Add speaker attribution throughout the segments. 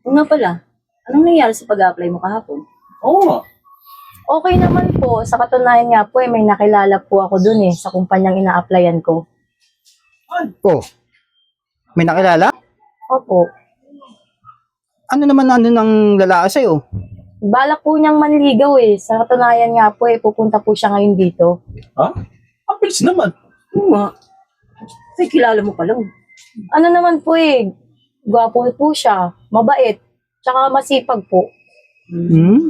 Speaker 1: O nga pala, anong nangyari sa pag-apply mo kahapon?
Speaker 2: Oo nga.
Speaker 3: Okay naman po. Sa katunayan nga po, may nakilala po ako dun sa kumpanyang ina-applyan ko.
Speaker 4: Oh, may nakilala?
Speaker 3: Opo.
Speaker 4: Ano naman ng lalaki sa'yo?
Speaker 3: Balak po niyang manligaw Sa katunayan nga po pupunta po siya ngayon dito.
Speaker 2: Ha? Ang bilis naman.
Speaker 1: Oo nga. Ay, kilala mo pa lang.
Speaker 3: Ano naman po gwapo po siya, mabait, tsaka masipag po.
Speaker 4: Hmm?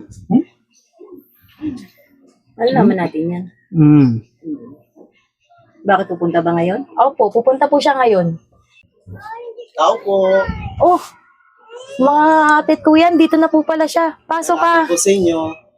Speaker 1: Malalaman natin yan.
Speaker 4: Hmm.
Speaker 1: Bakit pupunta ba ngayon?
Speaker 3: Opo, pupunta po siya ngayon.
Speaker 5: Tao po.
Speaker 3: Oh, mga atit ko yan, dito na po pala siya. Pasok ka.
Speaker 5: Po sa inyo.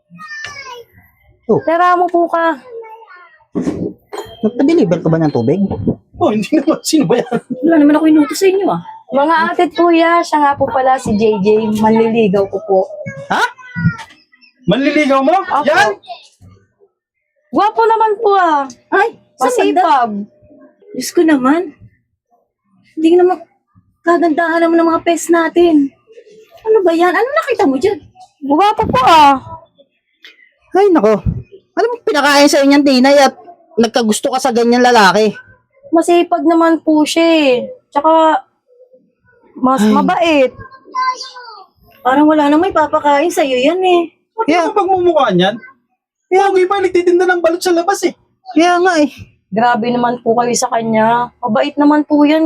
Speaker 3: Tara mo po ka.
Speaker 4: Nagpa-deliver ka ba ng tubig?
Speaker 2: Oh, hindi naman. Sino ba yan?
Speaker 1: Wala naman ako inutos sa inyo ah.
Speaker 3: Mga atit kuya, siya nga po pala si JJ, manliligaw ko po.
Speaker 2: Ha? Manliligaw mo?
Speaker 3: Opo.
Speaker 2: Yan?
Speaker 3: Gwapo naman po
Speaker 1: Ay, sa banda.
Speaker 3: Masipag.
Speaker 1: Diyos ko naman. Hindi ka naman kagandahan naman ng mga pes natin. Ano ba yan? Ano nakita mo dyan?
Speaker 3: Gwapo po
Speaker 4: Ay, nako. Ano mo pinakain sa inyong tinay at nagkagusto ka sa ganyan lalaki?
Speaker 3: Masipag naman po siya Tsaka, mas mabait.
Speaker 1: Parang wala nang may papakain sa'yo yan eh.
Speaker 2: Ba't
Speaker 4: Yeah.
Speaker 2: yeah. Pagmumukha niyan? Pogi pa, nagtitinda ng balot sa labas eh.
Speaker 4: Kaya nga
Speaker 3: Grabe naman po kayo sa kanya. Mabait naman po yan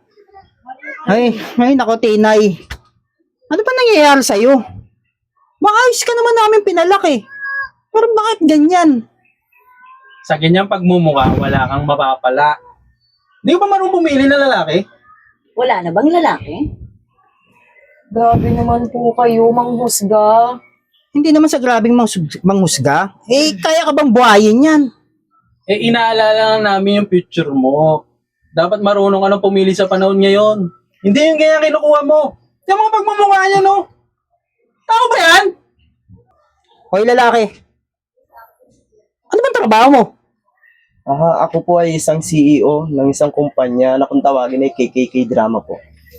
Speaker 4: Ay, nako tinay. Ano ba nangyayari sa'yo? Maayos ka naman namin pinalaki. Pero bakit ganyan?
Speaker 2: Sa ganyang pagmumukha, wala kang mapapala. Hindi ko ba marunong pumili na lalaki?
Speaker 1: Wala na bang lalaki?
Speaker 3: Grabe naman po kayo, manghusga.
Speaker 4: Hindi naman sa grabing manghusga. Kaya ka bang buhayin yan?
Speaker 2: Eh, inaalala lang namin yung future mo. Dapat marunong ka nang pumili sa panahon ngayon. Hindi yung ganyan kinukuha mo. Yung mga pagmumukha niya, no? Tao ba yan?
Speaker 4: Hoy lalaki. Ano bang trabaho mo?
Speaker 5: Ako po ay isang CEO ng isang kumpanya na kung tawagin ay KKK Drama po.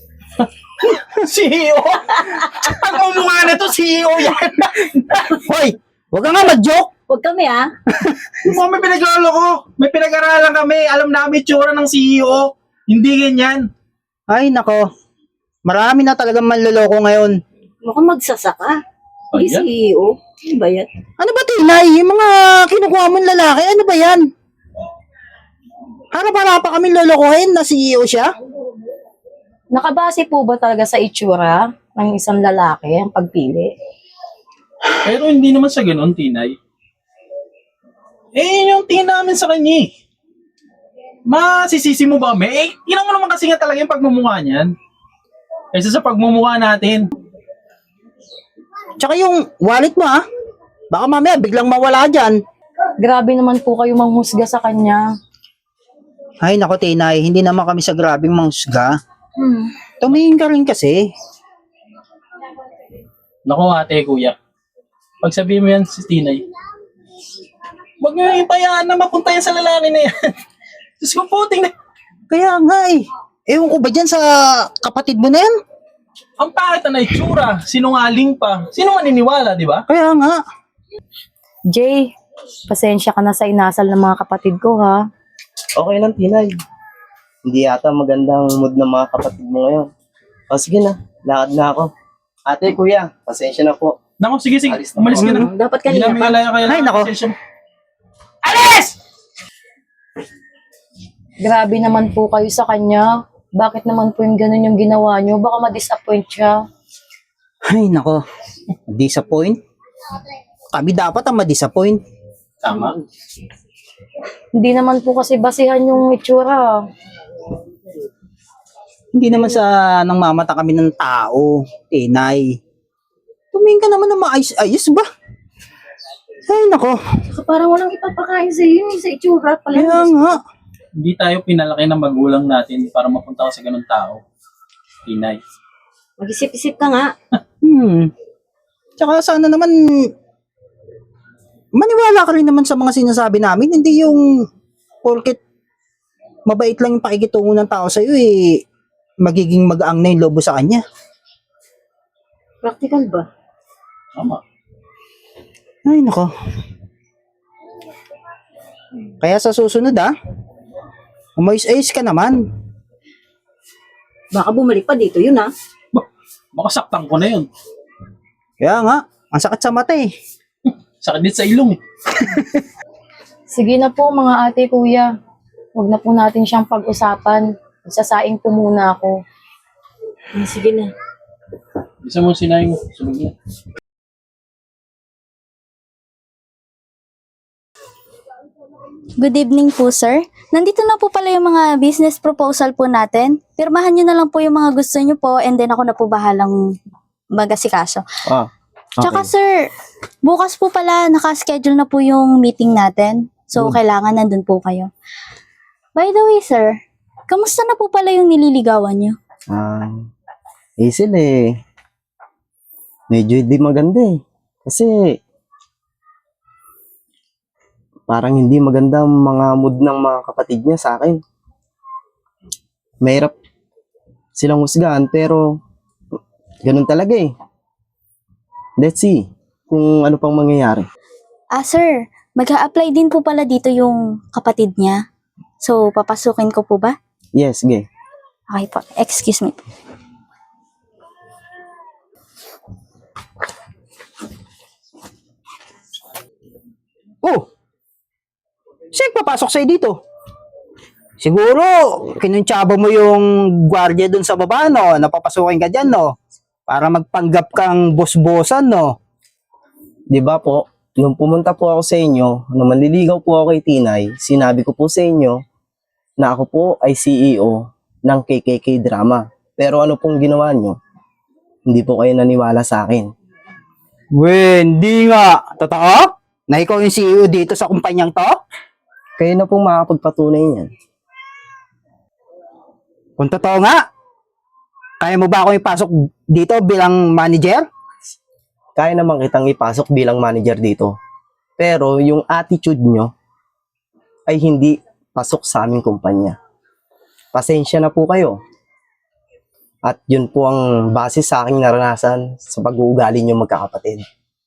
Speaker 2: CEO? Pagmumukha na to, CEO yan.
Speaker 4: Hoy, wag ka nga mag-joke.
Speaker 1: Huwag kami ah.
Speaker 2: Mukhang may pinaglolo ko. May pinag-aralan kami. Alam namin tsura ng CEO. Hindi ganyan.
Speaker 4: Ay, nako. Marami na talagang manloloko ngayon.
Speaker 1: Mukhang magsasaka. Hindi
Speaker 2: Ayan.
Speaker 1: CEO. Ano ba yan?
Speaker 4: Ano ba, Tinay? Yung mga kinukuha mong lalaki, ano ba yan? Harap-harap pa kami lolokohin na CEO siya?
Speaker 3: Nakabase po ba talaga sa itsura ng isang lalaki ang pagpili?
Speaker 2: Pero hindi naman sa ganun, Tinay. Eh, yun yung tingin namin sa kanya eh. Masisisi mo ba kami? Eh, yun mo naman kasi nga talaga yung pagmumukha niyan. Kaysa sa pagmumukha natin.
Speaker 4: Tsaka yung wallet mo, baka mamaya biglang mawala dyan.
Speaker 3: Grabe naman po kayo manghusga sa kanya.
Speaker 4: Ay, nako, Tinay. Hindi naman kami sa grabing manghusga. Tumingin ka rin kasi.
Speaker 2: Naku ate, kuya. Pag sabihin mo yan si Tinay, huwag nyo ipayaan na mapunta yan sa lalaki na yan. Diyos ko po, tingnan.
Speaker 4: Kaya nga Ewan ko ba dyan sa kapatid mo na yan?
Speaker 2: Ang pangit na itsura, sinungaling pa. Sino maniniwala, di ba?
Speaker 4: Kaya nga.
Speaker 3: Jay, pasensya ka na sa inasal ng mga kapatid ko
Speaker 5: Okay lang, Tinay. Hindi yata magandang mood ng mga kapatid mo ngayon. O sige na, lakad na ako. Ate, kuya, pasensya na po.
Speaker 2: Naku, sige, sige.
Speaker 5: Alis na
Speaker 2: Umalis
Speaker 5: po.
Speaker 2: ka na.
Speaker 1: Dapat
Speaker 2: Hindi
Speaker 1: kanina
Speaker 2: namin
Speaker 1: pa.
Speaker 2: alaya kaya
Speaker 4: Ay, nako.
Speaker 2: Alis!
Speaker 3: Grabe naman po kayo sa kanya. Bakit naman po yung ganun yung ginawa nyo? Baka ma-disappoint siya.
Speaker 4: Ay, nako. Disappoint? Kami dapat ang ma-disappoint.
Speaker 2: Tama.
Speaker 3: Hindi naman po kasi basihan yung itsura.
Speaker 4: Hindi naman sa nang mamata kami ng tao, Tinay. Tumingin ka naman na maayos-ayos ba? Ay, nako.
Speaker 1: Parang walang ipapakain sa'yo yun sa itsura pala.
Speaker 4: Kaya nga.
Speaker 2: Hindi tayo pinalaki ng magulang natin para mapunta ka sa ganung tao. Tinay.
Speaker 1: Mag-isip-isip ka nga.
Speaker 4: Tsaka sana naman maniwala ka rin naman sa mga sinasabi namin. Hindi yung porket mabait lang yung pakikitungo ng tao sa'yo magiging mag-aang na yung lobo sa kanya.
Speaker 1: Practical ba?
Speaker 2: Tama.
Speaker 4: Ay, nako. Kaya sa susunod umayos-ayos ka naman.
Speaker 1: Baka bumalik pa dito yun,
Speaker 2: Baka saktan ko na yun.
Speaker 4: Kaya nga, ang sakit sa mata eh.
Speaker 2: Sakit din sa ilong eh.
Speaker 3: Sige na po mga ate, kuya. Huwag na po natin siyang pag-usapan. Sasaing po muna ako.
Speaker 1: Sige na.
Speaker 2: Bisa mo sinayang sunod na.
Speaker 6: Good evening po, sir. Nandito na po pala yung mga business proposal po natin. Pirmahan nyo na lang po yung mga gusto nyo po and then ako na po bahalang mag-asikaso.
Speaker 5: Ah,
Speaker 6: Tsaka sir, bukas po pala nakaschedule na po yung meeting natin. So, kailangan nandun po kayo. By the way, sir, kamusta na po pala yung nililigawan nyo?
Speaker 5: Hazel medyo hindi maganda eh. Kasi parang hindi maganda ang mga mood ng mga kapatid niya sa akin. Mahirap silang husgahan pero ganun talaga eh. Let's see kung ano pang mangyayari.
Speaker 6: Sir, mag-a-apply din po pala dito yung kapatid niya. So, papasukin ko po ba?
Speaker 5: Yes, sige.
Speaker 6: Okay po, excuse me.
Speaker 4: Oh! Sino papasok sa'yo dito? Siguro, kinuntsaba mo yung gwardiya dun sa baba, no? Napapasukin ka dyan, no? Para magpanggap kang boss-bossan, no?
Speaker 5: Di ba po, nung pumunta po ako sa inyo, nung manliligaw po ako kay Tinay, sinabi ko po sa inyo na ako po ay CEO ng KKK Drama. Pero ano pong ginawa nyo? Hindi po kayo naniwala sa akin.
Speaker 4: Hindi nga. Totoo? Na ikaw yung CEO dito sa kumpanyang to?
Speaker 5: Kayo na pong makakapagpatunay niyan.
Speaker 4: Kung totoo nga, kaya mo ba ako ipasok dito bilang manager?
Speaker 5: Kaya naman kitang ipasok bilang manager dito. Pero yung attitude nyo ay hindi pasok sa aming kumpanya. Pasensya na po kayo. At yun po ang base sa aking naranasan sa pag-uugali nyo magkakapatid.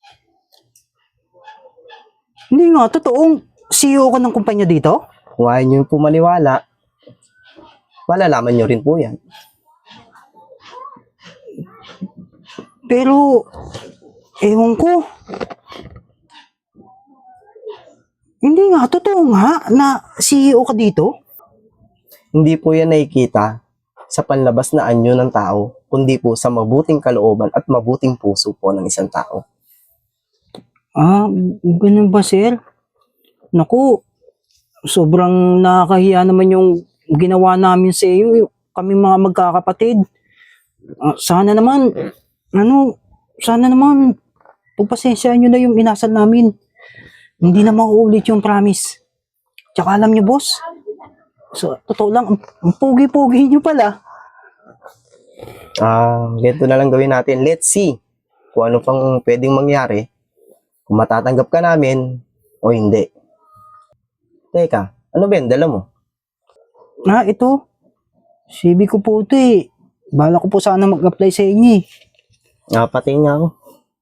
Speaker 4: Hindi nga, totoong CEO ko ng kumpanya dito?
Speaker 5: Kung ayaw nyo po maniwala, malalaman nyo rin po yan.
Speaker 4: Pero, ewan ko. Hindi nga, totoo nga na CEO ka dito?
Speaker 5: Hindi po yan nakikita sa panlabas na anyo ng tao, kundi po sa mabuting kalooban at mabuting puso po ng isang tao.
Speaker 4: Ganun ba, sir? Naku, sobrang nakakahiya naman yung ginawa namin sa iyo, kami mga magkakapatid. Sana naman, pagpasensyahan nyo na yung inasal namin. Hindi na mauulit yung promise. Tsaka alam nyo, boss, so, totoo lang, ang pogi-pogi nyo pala.
Speaker 5: Ganito na lang gawin natin. Let's see kung ano pang pwedeng mangyari. Kung matatanggap ka namin o hindi. Teka, ano ba yan? Dala mo?
Speaker 4: Ito. CV ko po ito eh. Bala ko po sana mag-apply sa inyo eh.
Speaker 5: Patingin nga ako.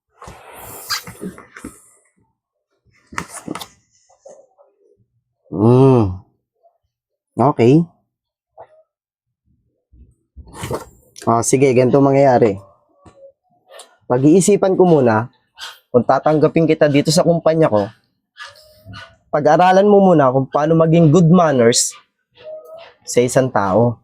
Speaker 5: Okay. Sige, ganito mangyayari. Pag-iisipan ko muna kung tatanggapin kita dito sa kumpanya ko. Pag-aralan mo muna kung paano maging good manners sa isang tao.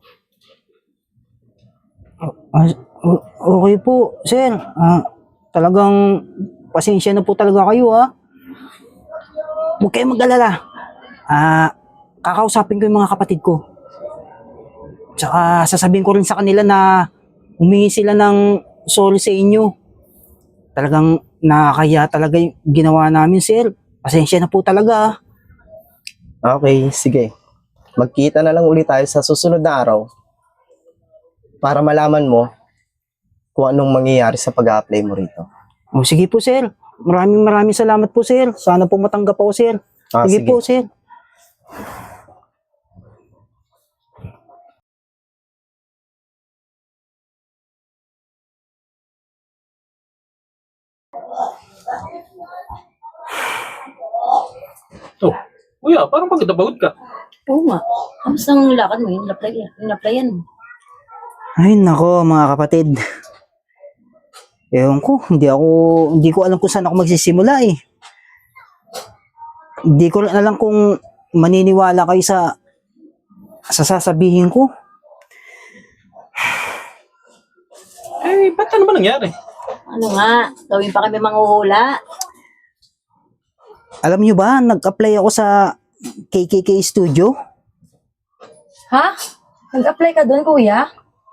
Speaker 4: Okay po, sir. Talagang pasensya na po talaga kayo Huwag kayong mag-alala. Kakausapin ko yung mga kapatid ko. Tsaka sasabihin ko rin sa kanila na humingi sila ng sorry sa inyo. Talagang nakakaya talaga yung ginawa namin, sir. Pasensya na po talaga.
Speaker 5: Okay, sige. Magkita na lang ulit tayo sa susunod na araw para malaman mo kung anong mangyayari sa pag-a-apply mo rito.
Speaker 4: Sige po, sir. Maraming salamat po, sir. Sana po matanggap ako, sir. Sige
Speaker 5: Sige.
Speaker 4: po, sir.
Speaker 2: Kuya, parang pagod na pagod ka.
Speaker 1: Oo nga. Kamusta ang lakad mo? Yung applyan mo.
Speaker 4: Ay, nako, mga kapatid. Ewan ko, hindi ko alam kung saan ako magsisimula eh. Hindi ko alam kung maniniwala kayo sa sasabihin ko.
Speaker 2: Eh, ba't ano ba nangyari?
Speaker 1: Ano nga? Gawin pa kami manghuhula.
Speaker 4: Alam nyo ba, nag-apply ako sa KKK Studio.
Speaker 3: Ha? Nag-apply ka doon, kuya?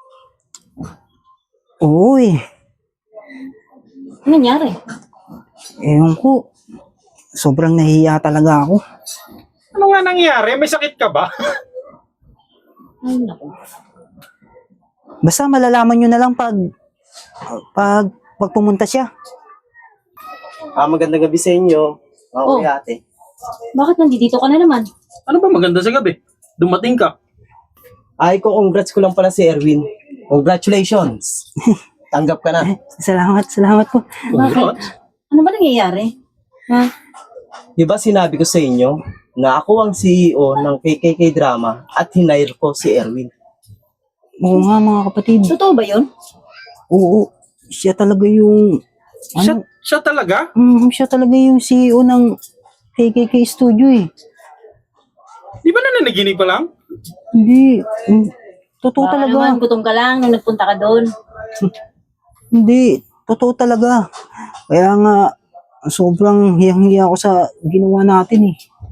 Speaker 4: Oo eh.
Speaker 1: Ano nangyari?
Speaker 4: Ewan ko, sobrang nahihiya talaga ako.
Speaker 2: Ano nga nangyari? May sakit ka ba?
Speaker 1: Ay, naku.
Speaker 4: Basta malalaman nyo na lang pag pumunta siya.
Speaker 5: Magandang gabi sa inyo. Mga
Speaker 1: Oh.
Speaker 5: kuya ate.
Speaker 1: Bakit nandito ka na naman?
Speaker 2: Ano ba maganda sa gabi? Dumating ka.
Speaker 5: Ay, congrats ko lang pala si Erwin. Congratulations. Tanggap ka na.
Speaker 4: Salamat po.
Speaker 2: Congrats.
Speaker 1: Ano ba nangyayari? Ha?
Speaker 5: Di ba sinabi ko sa inyo na ako ang CEO ng KKK Drama at hinire ko si Erwin.
Speaker 4: Oo nga mga kapatid.
Speaker 1: Totoo ba yun?
Speaker 4: Oo, siya talaga yung
Speaker 2: Siya talaga?
Speaker 4: siya talaga yung CEO ng KKK Studio eh.
Speaker 2: Di ba nananaginip pa lang?
Speaker 4: Hindi, totoo
Speaker 1: Baka
Speaker 4: talaga.
Speaker 1: naman, gutom ka lang nung nagpunta ka doon.
Speaker 4: Hindi, totoo talaga. Kaya nga, sobrang hiyang-hiya ako sa ginawa natin eh.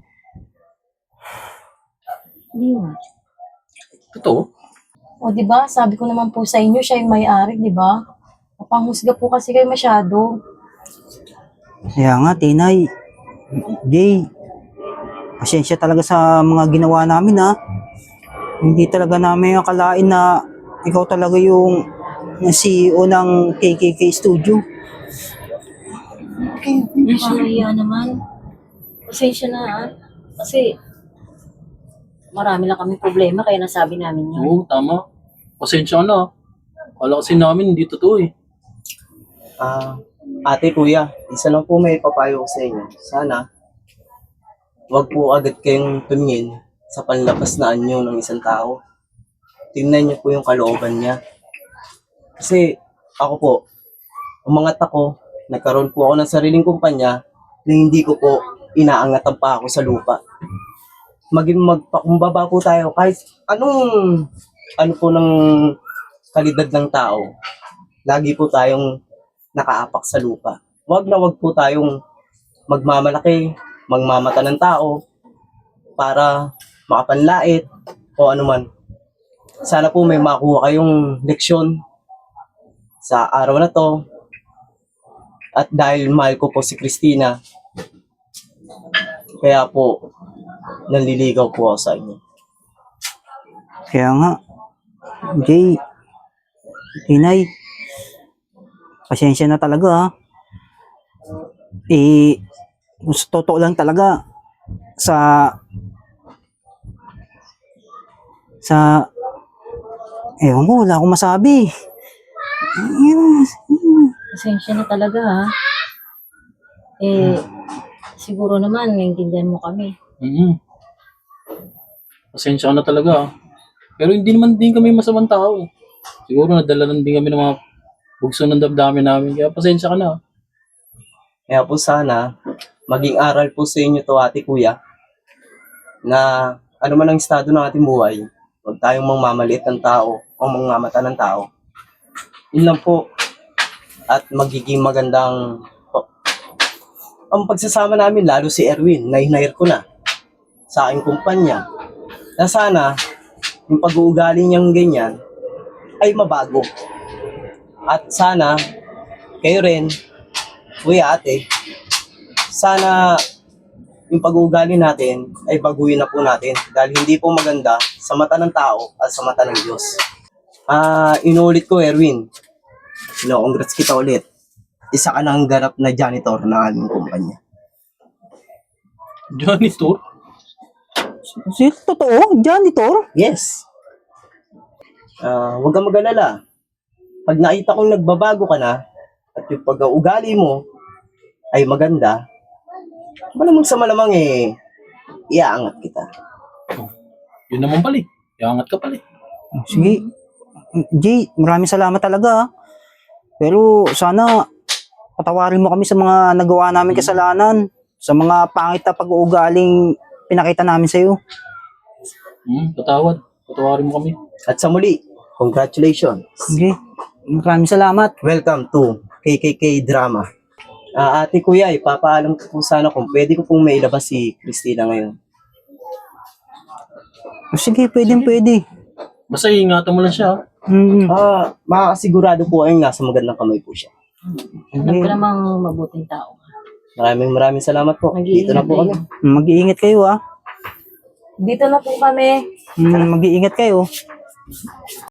Speaker 1: Hindi mo.
Speaker 2: Totoo.
Speaker 3: O, di ba? Sabi ko naman po sa inyo, siya yung may-ari, di ba? Napanghusga po kasi kayo masyado.
Speaker 4: Kaya nga, Tinay, Jay, pasensya talaga sa mga ginawa namin ha. Hindi talaga namin akalain na ikaw talaga yung CEO ng KKK Studio.
Speaker 1: Nakakahiya naman. Pasensya na ha. Kasi marami lang kami problema kaya nasabi namin yun.
Speaker 2: Oo, tama. Pasensya ka na. Kala kasi namin hindi totoo eh.
Speaker 5: Ate, kuya, isa lang po may papayo ko sa inyo. Sana, wag po agad kayong tumingin sa panlabas na anyo ng isang tao. Tingnan niyo po yung kalooban niya. Kasi ako po, umangat ako, nagkaroon po ako ng sariling kumpanya na hindi ko po inaangatan pa ako sa lupa. Maging magpakumbaba po tayo kahit ano po ng kalidad ng tao. Lagi po tayong nakaapak sa lupa. Wag na wag po tayong magmamalaki, magmamata ng tao para makapanlait o anuman. Sana po may makuha kayong leksyon sa araw na to. At dahil mahal ko po si Christina, kaya po nanliligaw po ako sa inyo.
Speaker 4: Kaya nga, Jay, Tinay, pasensya na talaga ha. Eh, gusto totoo lang talaga sa ewan ko, wala akong masabi.
Speaker 1: Pasensya na talaga ha. Siguro naman naiintindihan mo kami.
Speaker 2: Pasensya ka na talaga ah. Pero hindi naman din kami masamang tao eh. Siguro nadala lang din kami ng mga bugso ng damdamin namin. Kaya pasensya ka na.
Speaker 5: Kaya po sana, maging aral po sa inyo to ate kuya, na ano man ang estado ng ating buhay, huwag tayong mangmamaliit ng tao o mangmamata ng tao. Yun lang po. At magiging magandang ang pagsasama namin, lalo si Erwin, na hinire ko na sa aking kumpanya. Na sana, yung pag-uugali niyang ganyan, ay mabago. At sana, kayo rin, kuya ate, sana yung pag-uugali natin ay baguhin na po natin dahil hindi po maganda sa mata ng tao at sa mata ng Diyos. Inuulit ko, Erwin. Congrats kita ulit. Isa ka ng ganap na janitor ng aming kumpanya.
Speaker 2: Janitor?
Speaker 4: Totoo? Janitor?
Speaker 5: Yes. Huwag kang mag-alala. Pag nakita kong nagbabago ka na at yung pag-uugali mo ay maganda, malamang sa malamang iaangat kita.
Speaker 2: Yun naman pala eh. Iangat ka pala eh.
Speaker 4: Sige. Jay, maraming salamat talaga ah. Pero sana patawarin mo kami sa mga nagawa namin kasalanan, sa mga pangit na pag-uugaling pinakita namin sa'yo.
Speaker 2: Patawad. Patawarin mo kami.
Speaker 5: At sa muli, congratulations.
Speaker 4: Sige. Maraming salamat.
Speaker 5: Welcome to KKK Drama. Ate kuya, ipapaalam ko po sana kung pwede ko pong mailabas si Christina ngayon.
Speaker 4: Sige, pwede.
Speaker 2: Basta ingatan mo lang siya.
Speaker 4: Mm.
Speaker 5: Makakasigurado po kayong nasa magandang kamay po siya.
Speaker 1: Alam ko namang mabuting tao.
Speaker 5: Maraming salamat po. Dito na po kami.
Speaker 4: Mag-iingat kayo ah.
Speaker 1: Dito na po kami.
Speaker 4: Mag-iingat kayo.